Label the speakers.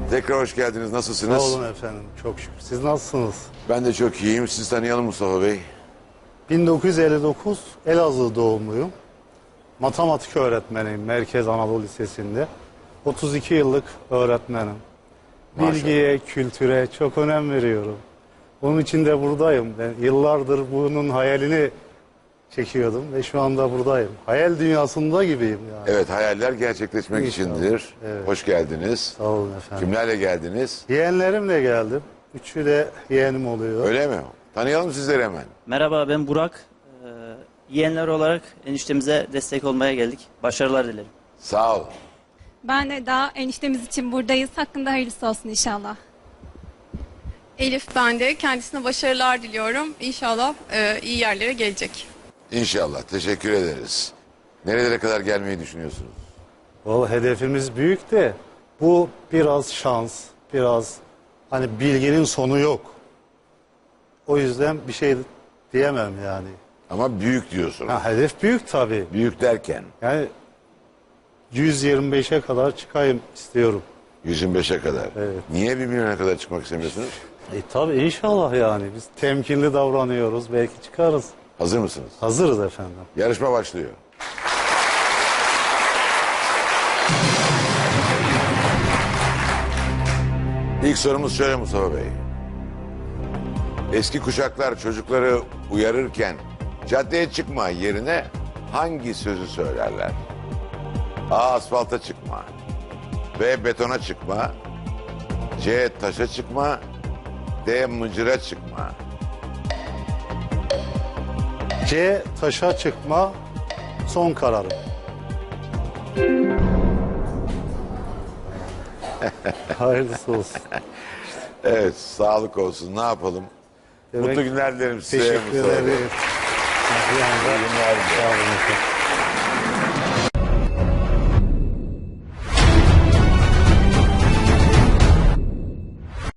Speaker 1: Tekrar hoş geldiniz. Nasılsınız?
Speaker 2: Sağ olun efendim. Çok şükür. Siz nasılsınız?
Speaker 1: Ben de çok iyiyim. Sizi tanıyalım Mustafa Bey.
Speaker 2: 1959 Elazığ doğumluyum. Matematik öğretmeniyim Merkez Anadolu Lisesi'nde. 32 yıllık öğretmenim.
Speaker 1: Maşallah.
Speaker 2: Bilgiye, kültüre çok önem veriyorum. Onun için de buradayım. Ben yıllardır bunun hayalini çekiyordum ve şu anda buradayım. Hayal dünyasında gibiyim yani.
Speaker 1: Evet, hayaller gerçekleşmek
Speaker 2: İnşallah.
Speaker 1: içindir.
Speaker 2: Evet.
Speaker 1: Hoş geldiniz.
Speaker 2: Sağ olun efendim.
Speaker 1: Kimlerle geldiniz?
Speaker 2: Yeğenlerimle geldim. Üçü de yeğenim oluyor.
Speaker 1: Öyle mi? Tanıyalım sizleri hemen.
Speaker 3: Merhaba, ben Burak. Yeğenler olarak eniştemize destek olmaya geldik. Başarılar dilerim.
Speaker 1: Sağ ol.
Speaker 4: Ben de daha eniştemiz için buradayız. Hakkında hayırlısı olsun inşallah.
Speaker 5: Elif, ben de kendisine başarılar diliyorum. İnşallah iyi yerlere gelecek.
Speaker 1: İnşallah. Teşekkür ederiz. Nerelere kadar gelmeyi düşünüyorsunuz?
Speaker 2: Vallahi hedefimiz büyük de bu biraz şans, biraz hani bilginin sonu yok. O yüzden bir şey diyemem yani.
Speaker 1: Ama büyük diyorsunuz.
Speaker 2: Ha, hedef büyük tabii.
Speaker 1: Büyük derken
Speaker 2: Yani 125'e kadar çıkayım istiyorum.
Speaker 1: 125'e kadar.
Speaker 2: Evet.
Speaker 1: Niye 1 milyona kadar çıkmak istemiyorsunuz?
Speaker 2: Tabii inşallah yani biz temkinli davranıyoruz, belki çıkarız.
Speaker 1: Hazır mısınız?
Speaker 2: Hazırız efendim.
Speaker 1: Yarışma başlıyor. İlk sorumuz şöyle Mustafa Bey. Eski kuşaklar çocukları uyarırken caddeye çıkma yerine hangi sözü söylerler? A. Asfalta çıkma. B. Betona çıkma. C. Taşa çıkma. D. Mıcıra çıkma.
Speaker 2: C. Taşa çıkma son kararım. Hayırlısı olsun.
Speaker 1: Evet, sağlık olsun. Ne yapalım?
Speaker 2: Demek-
Speaker 1: Mutlu günler dilerim size
Speaker 2: Teşekkür
Speaker 1: Mustafa Bey.
Speaker 2: ederim.
Speaker 1: İyi günler dilerim.
Speaker 2: Sağ olun efendim.